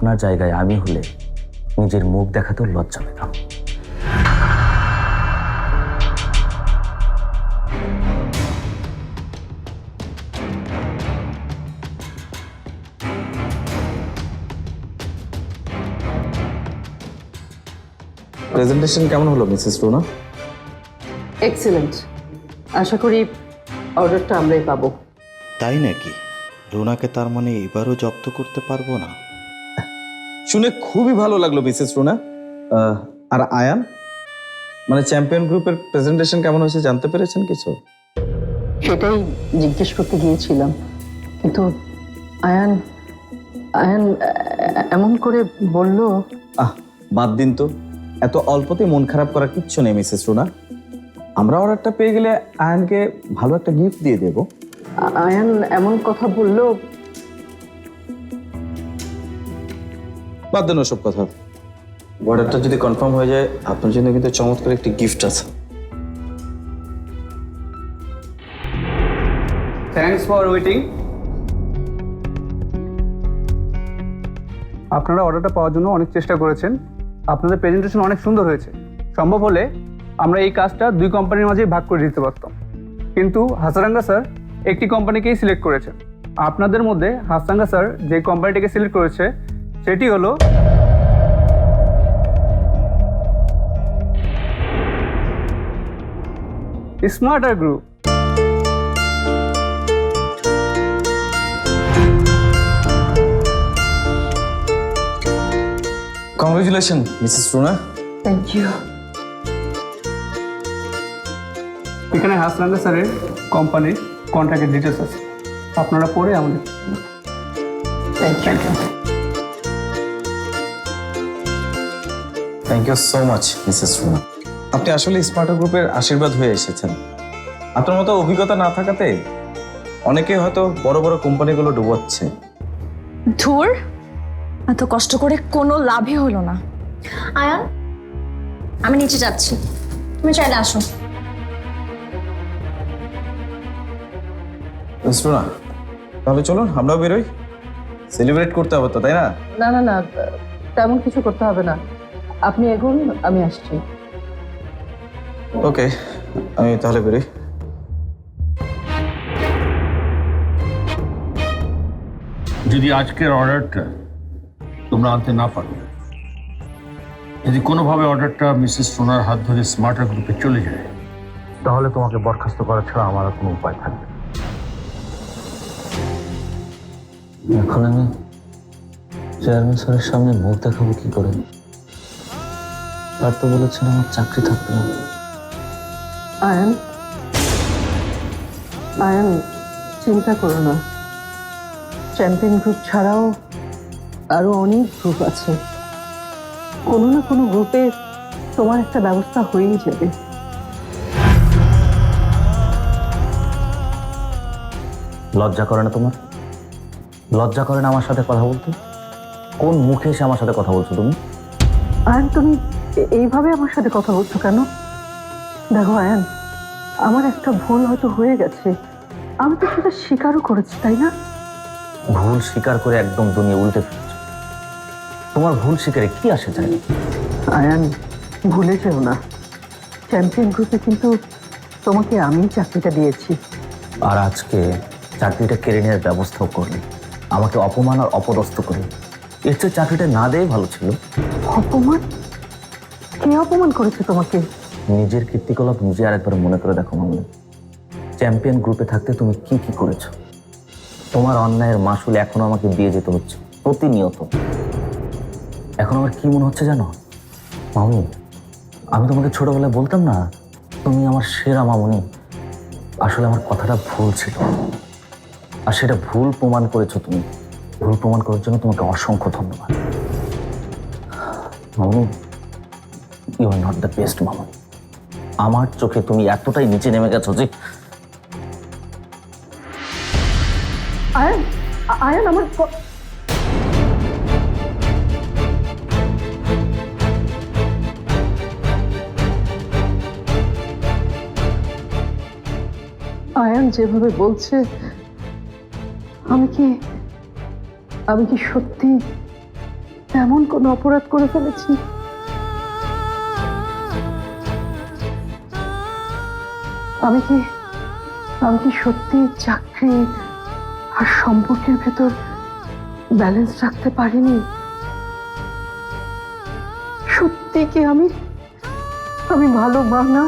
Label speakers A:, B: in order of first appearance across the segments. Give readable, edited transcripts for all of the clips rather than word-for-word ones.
A: আপনার জায়গায় আমি হলে নিজের মুখ দেখাতেও লজ্জা পেতাম।
B: প্রেজেন্টেশন কেমন হলো মিসেস রুনা?
C: এক্সিলেন্ট। আশা করি অর্ডারটা আমরাই পাবো।
D: তাই নাকি? রুনাকে তার মানে এবারও জব্দ করতে পারবো না?
B: শুনে খুবই ভালো লাগলো মিসেস রুনা। আর আয়ান, মানে চ্যাম্পিয়ন গ্রুপের প্রেজেন্টেশন কেমন হয়েছে জানতে পেরেছেন কিছু?
C: সেটাই জিজ্ঞেস করতে গিয়েছিলাম, কিন্তু আয়ান আয়ান এমন করে বলল।
B: বাদ দিন তো, এত অল্পতে মন খারাপ করার কিচ্ছু নেই মিসেস রুনা। আমরা অর্ডারটা পেয়ে গেলে আয়ানকে ভালো একটা গিফট দিয়ে দেব।
C: আয়ান এমন কথা বলল।
B: বাদ দেন ওসব কথা। অর্ডারটা যদি কনফার্ম হয়ে যায় আপনার জন্য কিন্তু চমৎকার একটি গিফট আছে।
E: Thanks for waiting. আপনারা অর্ডারটা পাওয়ার জন্য অনেক চেষ্টা করেছেন। আপনাদের প্রেজেন্টেশন অনেক সুন্দর হয়েছে। সম্ভব হলে আমরা এই কাজটা 2 কোম্পানির মাঝেই ভাগ করে দিতে পারতাম, কিন্তু হাসারাঙ্গা স্যার একটি কোম্পানিকেই সিলেক্ট করেছেন। আপনাদের মধ্যে হাসারাঙ্গা স্যার যে কোম্পানিটিকে সিলেক্ট করেছে সেটি হলো smarter group.
B: Congratulation Mrs Runa.
C: Thank you.
E: এখানে হাসারাঙ্গা স্যারের কোম্পানির কন্ট্রাক্টের ডিটেলস আছে, আপনারা পড়ে আমাদের।
C: Thank you.
B: Thank you so much Mrs Runa. আপনি আসলে স্মার্টার গ্রুপের আশীর্বাদ হয়ে এসেছেন। আপনার মতো অভিজ্ঞতা না থাকাতে অনেকে হয়তো বড় বড় কোম্পানিগুলো ডুবোচ্ছে।
F: ধুর, এত কষ্ট করে কোনো লাভই হলো না। আয়ান, আমি নিচে যাচ্ছি, তুমি চাইলে আসো।
B: মিস রুনা, তাহলে চলুন আমরাও বেরোই, সেলিব্রেট করতে হবে তো, তাই না?
C: না না না, তেমন কিছু করতে হবে না। আপনি এগোন, আমি আসছি।
B: ওকে, আমি তাহলে বেরোই।
G: যদি আজকের অর্ডারটা তোমরা আনতে না পারো, যদি কোনোভাবে অর্ডারটা মিসেস সোনার হাত ধরে স্মার্টার গ্রুপে চলে যায়, তাহলে তোমাকে বরখাস্ত করা ছাড়া আমার আর কোনো উপায় থাকবে না।
A: এখন আমি চেয়ারম্যান স্যারের সামনে মুখ দেখাবো কি করে? তার তো বলেছেন আমার চাকরি থাকবে না।
C: আয়ান, আয়ান চিন্তা করো না। চ্যাম্পিয়ন গ্রুপ ছাড়াও আরো অনেক গ্রুপ আছে। কোনো না কোনো গ্রুপে তোমার একটা ব্যবস্থা হয়েই যাবে।
A: লজ্জা করে না তোমার? লজ্জা করে না আমার সাথে কথা বলতে? কোন মুখে এসে আমার সাথে কথা বলছো তুমি?
C: আয়ান, তুমি এইভাবে আমার সাথে কথা বলছো কেন? দেখো আয়ান, আমার একটা ভুল হয়তো হয়ে গেছে, আমি তো সেটা স্বীকারও করেছি, তাই না?
A: ভুল স্বীকার করে একদম দুনিয়া উল্টে ফেলছো। তোমার ভুল স্বীকারে কি আসে যায়?
C: আয়ান, ভুলে যেও না, চ্যাম্পিয়ন গ্রুপে কিন্তু তোমাকে আমি চাকরিটা দিয়েছি।
A: আর আজকে চাকরিটা কেড়ে নেওয়ার ব্যবস্থাও করলে, আমাকে অপমান আর অপদস্থ করলে। এর চেয়ে চাকরিটা না দেয় ভালো ছিল।
C: অপমান? কে অপমান করেছে তোমাকে?
A: নিজের কীর্তিকলাপ নিজে আরেকবার মনে করে দেখো মামনি। চ্যাম্পিয়ন গ্রুপে থাকতে তুমি কি কি করেছো? তোমার অন্যায়ের মাসুল এখনো আমাকে দিয়ে যেতে হচ্ছে প্রতিনিয়ত। এখন আমার কি মনে হচ্ছে জানো মামনি, আমি তোমাকে ছোটবেলায় বলতাম না তুমি আমার সেরা মামনি। আসলে আমার কথাটা ভুল ছিল, আর সেটা ভুল প্রমাণ করেছো তুমি। ভুল প্রমাণ করার জন্য তোমাকে অসংখ্য ধন্যবাদ মামনি। You are not the best মামনি। আমার চোখে তুমি এতটাই নিচে নেমে গেছো যে
C: আয়ান, আয়ান আমার আয়ান যেভাবে বলছে, আমি কি সত্যি এমন কোনো অপরাধ করে ফেলেছি? আমি কি সত্যি চাকরি আর সম্পর্কের ভেতর ব্যালেন্স রাখতে পারিনি? সত্যি কি আমি ভালো মা না?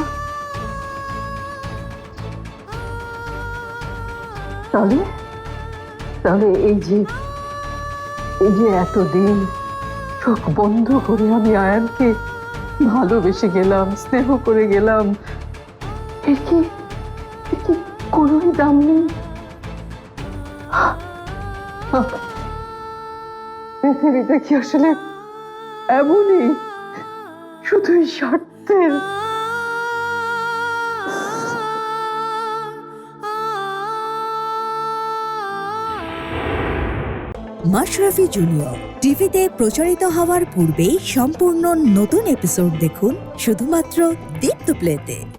C: তাহলে এই যে এতদিন চোখ বন্ধ করে আমি আয়ানকে ভালোবেসে গেলাম, স্নেহ করে গেলাম, এর কি কোনোই দাম নেই? পৃথিবীটা কি আসলে এমনই, শুধুই স্বার্থের?
H: মাশরাফি জুনিয়র টিভিতে প্রচারিত হওয়ার পূর্বেই সম্পূর্ণ নতুন এপিসোড দেখুন শুধুমাত্র দীপ্ত প্লেতে।